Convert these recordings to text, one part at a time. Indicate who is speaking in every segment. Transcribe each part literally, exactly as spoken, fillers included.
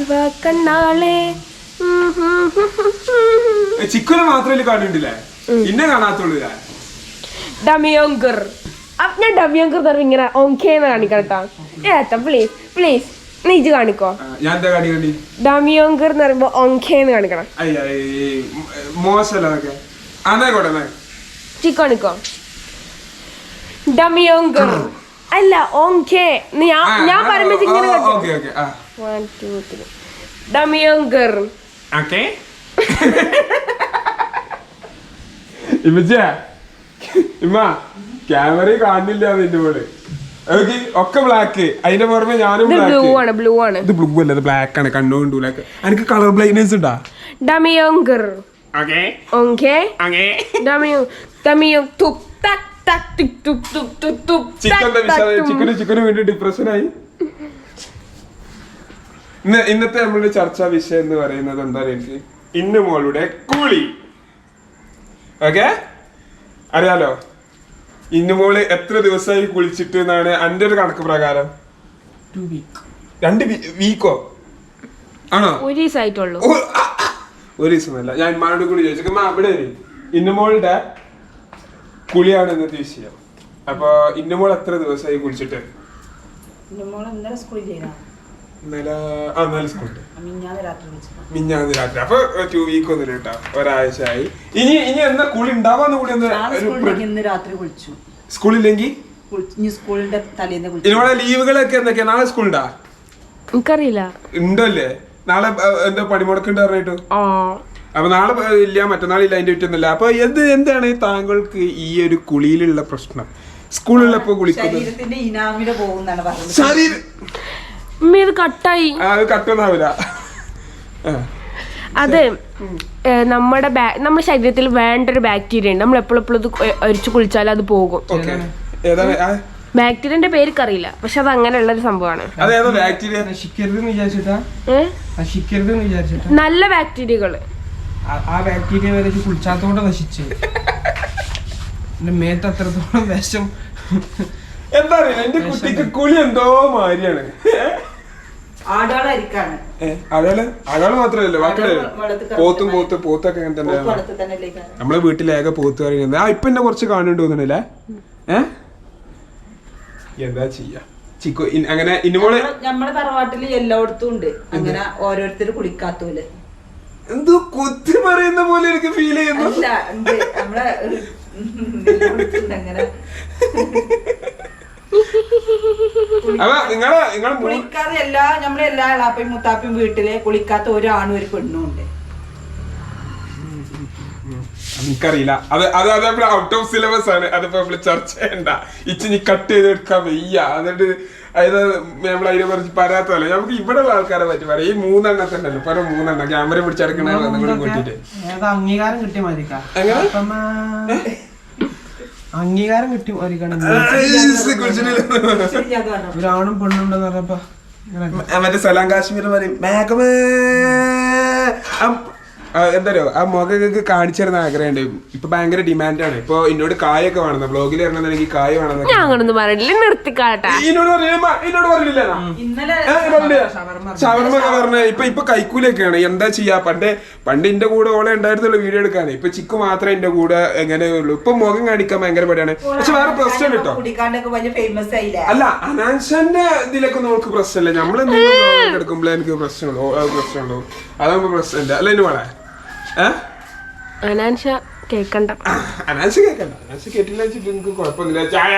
Speaker 1: കണ്ണാളെ
Speaker 2: ചിക്കുനെ മാത്രമേ കാണുന്നില്ലേ ഇന്നെ കാണാത്തുള്ളൂ
Speaker 1: ഡമിയോങ്കർ ഞാൻ ഡമിയോങ്കർ തരം ഇങ്ങനെ ഓങ്കേന്ന് കാണിക്കട്ടോ ഏട്ടാ പ്ലീസ് പ്ലീസ് നീ ഇജ് കാണിക്കോ
Speaker 2: ഞാൻ എന്താ കാണിക്കണ്ടി
Speaker 1: ഡമിയോങ്കർ എന്ന് പറയുമ്പോ ഓങ്കേന്ന് കാണിക്കണം
Speaker 2: മോശമല്ലേ ചിക്കു
Speaker 1: കാണിക്കോ ഡമിയോങ്കർ അല്ല ഓങ്കേ ഞാൻ പറയുമ്പോ ഇങ്ങനെ വൺ ടു ത്രീ ഡമിയോങ്കർ
Speaker 2: ഇമ്മ ക്യാമറ കാണുന്നില്ല നിന്റെ പോലെ ഒക്കെ ബ്ലാക്ക് അതിന്റെ പുറമെ ഞാനും
Speaker 1: ബ്ലൂ ആണ് ബ്ലൂ ആണ്
Speaker 2: ഇത് ബ്ലൂ അല്ല ഇത് ബ്ലാക്ക് ആണ് കണ്ണുകൊണ്ട് ബ്ലാക്ക് എനിക്ക് കളർ ബ്ലൈൻഡ്നെസ് ഉണ്ടാ
Speaker 1: ഡമിയോങ്കർ ഓങ്കേ ഡമിയോ ഡമിയോ തുപ് തക് തക് ടിക് തുപ് തുപ് തുപ് തുപ്
Speaker 2: ചിക്കന് ചിക്കന് വേണ്ടി ഡിപ്രഷനായി. ഇന്ന് ഇന്നത്തെ നമ്മളുടെ ചർച്ചാ വിഷയം എന്ന് പറയുന്നത് എന്താ എനിക്ക് ഇന്നു മോളുടെ കൂളി. ഓക്കെ അറിയാലോ ഇന്നു മോള് എത്ര ദിവസമായി കുളിച്ചിട്ട് എന്നാണ് എന്റെ ഒരു കണക്ക് പ്രകാരം? രണ്ട് വീക്കോ ആണോ?
Speaker 1: ഒരു ദിവസമായിട്ടുള്ളൂ.
Speaker 2: ഒരു ദിവസമല്ല. ഞാൻ ഇമ്മാനോട് കൂടി ചോദിച്ചു അവിടെ ഇന്നുമോളുടെ കുളിയാണ് ഇന്നത്തെ വിഷയം. അപ്പൊ ഇന്നുമോൾ എത്ര ദിവസമായി കുളിച്ചിട്ട്? മിഞ്ഞാന്ന് രാത്രി. അപ്പൊ ടു വീക്ക് ഒന്നും കേട്ടോ, ഒരാഴ്ച ആയി. ഇനി ഇനി എന്താ കുളി ഉണ്ടാവാന്ന് കൂടി സ്കൂളില്ലെങ്കിൽ ഇനിവിടെ ലീവുകളൊക്കെ എന്തൊക്കെയാ? നാളെ സ്കൂളുണ്ടാ?
Speaker 1: എനിക്കറിയില്ല.
Speaker 2: ഉണ്ടല്ലേ നാളെ എന്താ പണിമുടക്കുണ്ട് പറഞ്ഞിട്ട്? അപ്പൊ നാളെ ഇല്ല മറ്റന്നാളില്ല അതിന്റെ വിറ്റൊന്നുമില്ല. അപ്പൊ എന്ത് എന്താണ് താങ്കൾക്ക് ഈ ഒരു കുളിയിലുള്ള പ്രശ്നം? സ്കൂളിലപ്പോ കുളിക്കുന്നത്
Speaker 1: കട്ടായി
Speaker 2: കട്ടൊന്നാവില്ല.
Speaker 1: അത് നമ്മുടെ നമ്മുടെ ശരീരത്തിൽ വേണ്ട ഒരു ബാക്ടീരിയ ഉണ്ട്. നമ്മൾ എപ്പോഴും എപ്പോഴും ഒരിച്ചു കുളിച്ചാൽ അത് പോകും. ബാക്ടീരിയന്റെ പേർക്കറിയില്ല, പക്ഷെ അത് അങ്ങനെയുള്ള ഒരു സംഭവമാണ്. നല്ല ബാക്ടീരിയകള്
Speaker 3: ആ ബാക്ടീരിയ വരെ കുളിച്ചാത്തോടെ നശിച്ചു. മേത്ത് അത്രത്തോളം വിഷം.
Speaker 2: എന്താ അറിയില്ല എന്റെ കുട്ടിക്ക് കുളി എന്തോ മാതിരിയാണ്. അയാള് അയാള് മാത്രല്ല ബാക്കിയുള്ള പോത്തും പോത്ത് പോത്തൊക്കെ അങ്ങനെ തന്നെ. നമ്മളെ വീട്ടിലേക പോത്ത് പറയുന്നത് ആ ഇപ്പൊ എന്നെ കുറച്ച് കാണുന്നുണ്ട് തോന്നണല്ലേ? ഏഹ് എന്താ ചെയ്യാ ചിക്കു അങ്ങനെ ഇന്നുമോള്
Speaker 4: നമ്മുടെ തറവാട്ടില് എല്ലായിടത്തും ഉണ്ട് അങ്ങനെ ഓരോരുത്തർ കുളിക്കാത്തൂല്.
Speaker 2: എന്തോ കുത്തി പറയുന്ന പോലെ എനിക്ക് ഫീൽ ചെയ്യുന്നു.
Speaker 4: നമ്മളെ അങ്ങനെ കുളിക്കാതെ എല്ലാ നമ്മളെ എല്ലാ ഇളാപ്പയും മുത്താപ്പയും വീട്ടിലെ കുളിക്കാത്ത ഒരാണും ഒരു പെണ്ണും ഉണ്ട്.
Speaker 2: എനിക്കറിയില്ല. അത് അത് അതേപോലെ ഔട്ട് ഓഫ് സിലബസ് ആണ്. അതിപ്പോ നമ്മള് ചർച്ച ചെയ്യണ്ട. ഇച്ചിനി കട്ട് ചെയ്തെടുക്കാൻ വയ്യ. എന്നിട്ട് അതായത് നമ്മൾ അതിനെ കുറിച്ച് പറയാത്തതല്ല. നമുക്ക് ഇവിടെ ഉള്ള ആൾക്കാരെ പറ്റി പറയാം. ഈ മൂന്നെണ്ണം തന്നെ അല്ലോ പല മൂന്നെണ്ണം ക്യാമറ പിടിച്ചെടുക്കണ കൂട്ടിട്ട്
Speaker 3: അംഗീകാരം കിട്ടിയ മതി. അംഗീകാരം കിട്ടി ഒരാണും പെണ്ണുണ്ടെന്ന് പറഞ്ഞപ്പോ
Speaker 2: മറ്റേ സലാം കാശ്മീർ പറയും മേഘമേ എന്തായാലും ആ മുഖങ്ങൾക്ക് കാണിച്ചു തരുന്ന ആഗ്രഹമുണ്ട്. ഇപ്പൊ ഭയങ്കര ഡിമാൻഡാണ്. ഇപ്പൊ എന്നോട് കായൊക്കെ വേണം ബ്ലോഗിൽ വരണമെന്നെനിക്ക് കായ് വേണം.
Speaker 1: എന്നോട്
Speaker 2: പറഞ്ഞില്ല ഷവർമ്മ ഒക്കെ പറഞ്ഞ ഇപ്പൊ ഇപ്പൊ കൈക്കൂലൊക്കെയാണ്. എന്താ ചെയ്യാ? പണ്ട് പണ്ട് എന്റെ കൂടെ ഓളെ ഉണ്ടായിരുന്നുള്ളൂ വീഡിയോ എടുക്കാന്. ഇപ്പൊ ചിക്കു മാത്രമേ എന്റെ കൂടെ എങ്ങനെയുള്ളൂ. ഇപ്പൊ മുഖം കാണിക്കാൻ ഭയങ്കര പടിയാണ്. പക്ഷെ വേറെ പ്രശ്നം കേട്ടോ. അല്ല അനാൻഷന്റെ ഇതിലൊക്കെ നമുക്ക് പ്രശ്നമില്ല. നമ്മളെന്തെങ്കിലും എടുക്കുമ്പോഴേ എനിക്ക് പ്രശ്നമുള്ളൂ പ്രശ്നമുള്ളൂ അതാകുമ്പോ പ്രശ്നമില്ല. അല്ല എന്നെ വേണേ
Speaker 1: അനാൻഷ കേക്കണ്ട
Speaker 2: അനാൻഷ കേക്കണ്ട അനാൻഷ കേട്ടില്ല എനിക്ക് കുഴപ്പമൊന്നുമില്ല. ചായ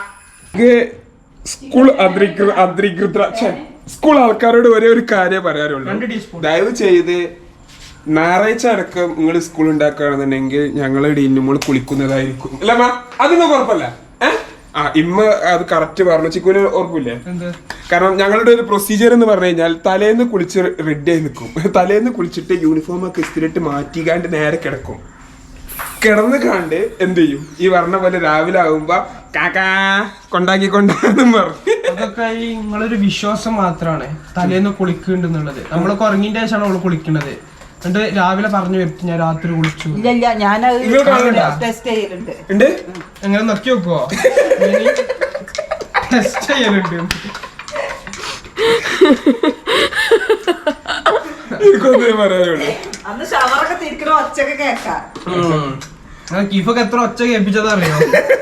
Speaker 2: സ്കൂൾ അധികൃത സ്കൂൾ ആൾക്കാരോട് ഒരേ ഒരു കാര്യം പറയാറുള്ളൂ. ദയവ് ചെയ്ത് ഞായറാഴ്ച അടക്കം നിങ്ങൾ സ്കൂൾ ഉണ്ടാക്കുകയാണെന്നുണ്ടെങ്കിൽ ഞങ്ങളുടെ ഇന്നുമ്പോൾ കുളിക്കുന്നതായിരിക്കും. അല്ല മാ അതൊന്നും കുഴപ്പമില്ല. ഏഹ് ആ ഇമ്മ അത് കറക്റ്റ് പറഞ്ഞു. ചിക്കുവിന് ഓർക്കില്ലേ? കാരണം ഞങ്ങളുടെ ഒരു പ്രൊസീജിയർ എന്ന് പറഞ്ഞു കഴിഞ്ഞാൽ തലേന്ന് കുളിച്ച് റെഡി ആയി നിൽക്കും. തലേന്ന് കുളിച്ചിട്ട് യൂണിഫോം ഒക്കെ ഇസ്തിരിട്ട് മാറ്റിക്കാണ്ട് നേരെ കിടക്കും. കിടന്ന് കണ്ട് എന്ത് ചെയ്യും? ഈ പറഞ്ഞ പോലെ രാവിലെ ആകുമ്പോ കാക്കാ കൊണ്ടാക്കി കൊണ്ടാന്നും പറഞ്ഞു.
Speaker 3: അതൊക്കെ ഈ നിങ്ങളൊരു വിശ്വാസം മാത്രമാണ് തലേന്ന് കുളിക്കുന്നുണ്ടെന്നുള്ളത്. നമ്മളൊക്കെ ഉറങ്ങിന്റെ ശേഷമാണ് അവള് കുളിക്കുന്നത്. എന്നിട്ട് രാവിലെ പറഞ്ഞു വരുത്തി ഞാൻ രാത്രി കുളിച്ചു. എങ്ങനെ നോക്കി നോക്കുവോ? ടെസ്റ്റ് ചെയ്യലുണ്ട്.
Speaker 2: എനിക്കൊന്നേ പറയാനുള്ളൂ.
Speaker 4: അന്ന് ഷവറൊക്കെ തിരിക്കണ ഒച്ചയൊക്കെ കേക്കാം.
Speaker 3: കീഫൊക്കെ എത്ര ഒച്ച കേൾപ്പിച്ചതാ അറിയോ?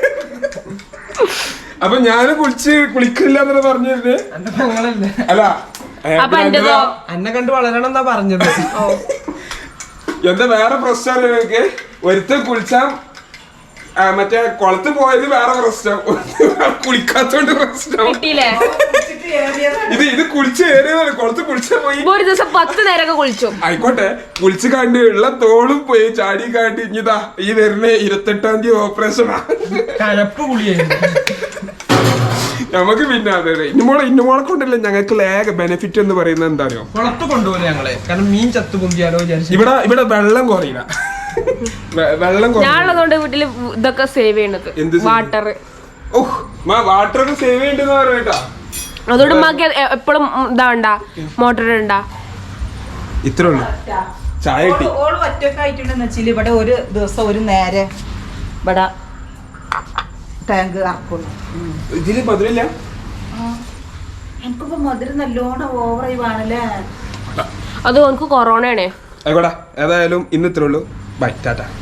Speaker 2: അപ്പൊ ഞാനും കുളിച്ച് കുളിക്കില്ല എന്നല്ലേ പറഞ്ഞിരുന്നേ?
Speaker 3: എന്റെ പെങ്ങളല്ലേ?
Speaker 2: അല്ല
Speaker 1: അപ്പൊ എന്റേതോ?
Speaker 3: എന്നെ കണ്ട് വളരണം എന്നാ പറഞ്ഞത്.
Speaker 2: എന്താ വേറെ പ്രശ്നം നിങ്ങൾക്ക്? ഒരുത്തൻ കുളിച്ചാ മറ്റേ കുളത്ത് പോയത് വേറെ പ്രശ്നം, കുളിക്കാത്തോണ്ട് പ്രശ്നം.
Speaker 1: കിട്ടിയില്ലേ?
Speaker 2: ഇത് ഇത് കുളിച്ച് കയറിയതാണ്, കുളത്ത് കുളിച്ചാ പോയി.
Speaker 1: ഒരു ദിവസം പത്ത് നേരമൊക്കെ കുളിച്ചു.
Speaker 2: ആയിക്കോട്ടെ, കുളിച്ച് കണ്ട് ഉള്ള തോളും പോയി ചാടി കാട്ടി ഇനിതാ ഈ വരുന്ന ഇരുപത്തെട്ടാം തീയതി ഓപ്പറേഷനാ.
Speaker 3: കലപ്പ് കുളിയായിരുന്നു
Speaker 2: നമുക്ക്. പിന്നെ അതെ ഇന്നുമോളെ ഇന്നുമോളെ കൊണ്ടല്ലേ ഞങ്ങൾക്ക് ലേഖ ബെനിഫിറ്റ് എന്ന് പറയുന്നത് എന്താ അറിയോ?
Speaker 3: കുളത്ത് കൊണ്ടുപോലെ ഞങ്ങള്, കാരണം മീൻ ചത്തു പൊന്തിയാലോ വിചാരിച്ചു.
Speaker 2: ഇവിടെ ഇവിടെ വെള്ളം കുറയില്ല, വെള്ളം
Speaker 1: ഞാനുള്ളതുകൊണ്ട് വീട്ടില് ഇതൊക്കെ സേവ് ചെയ്യണത്. വാട്ടർ
Speaker 2: വാട്ടർ സേവ് ചെയ്യണ്ടെന്ന് പറയട്ടാ.
Speaker 1: അതുകൊണ്ട് മക്ക് എപ്പോഴും ഇതാണ്ട മോട്ടർ ഉണ്ടാ.
Speaker 2: ഇത്രേ ഉള്ളൂ. ചായ കിട്ടി.
Speaker 4: ഓള് ഒറ്റൊക്കെ ആയിട്ടുണ്ടെന്ന് വെച്ചാൽ ഇവിടെ ഒരു ദിവസം ഒരു നേരെ ഇവിടെ ടാങ്ക് ആക്കുള്ളൂ.
Speaker 2: ഇതില് മധുരമില്ല.
Speaker 4: എനിക്കിപ്പോ മധുരം നല്ലോണം ഓവറായി വേണല്ലേ.
Speaker 1: അത് എനിക്ക് കൊറോണ ആണേ.
Speaker 2: ആയിക്കോട്ടെ, ഏതായാലും ഇന്ന് ഇത്രേ ഉള്ളൂ. ബൈ, ടാറ്റ.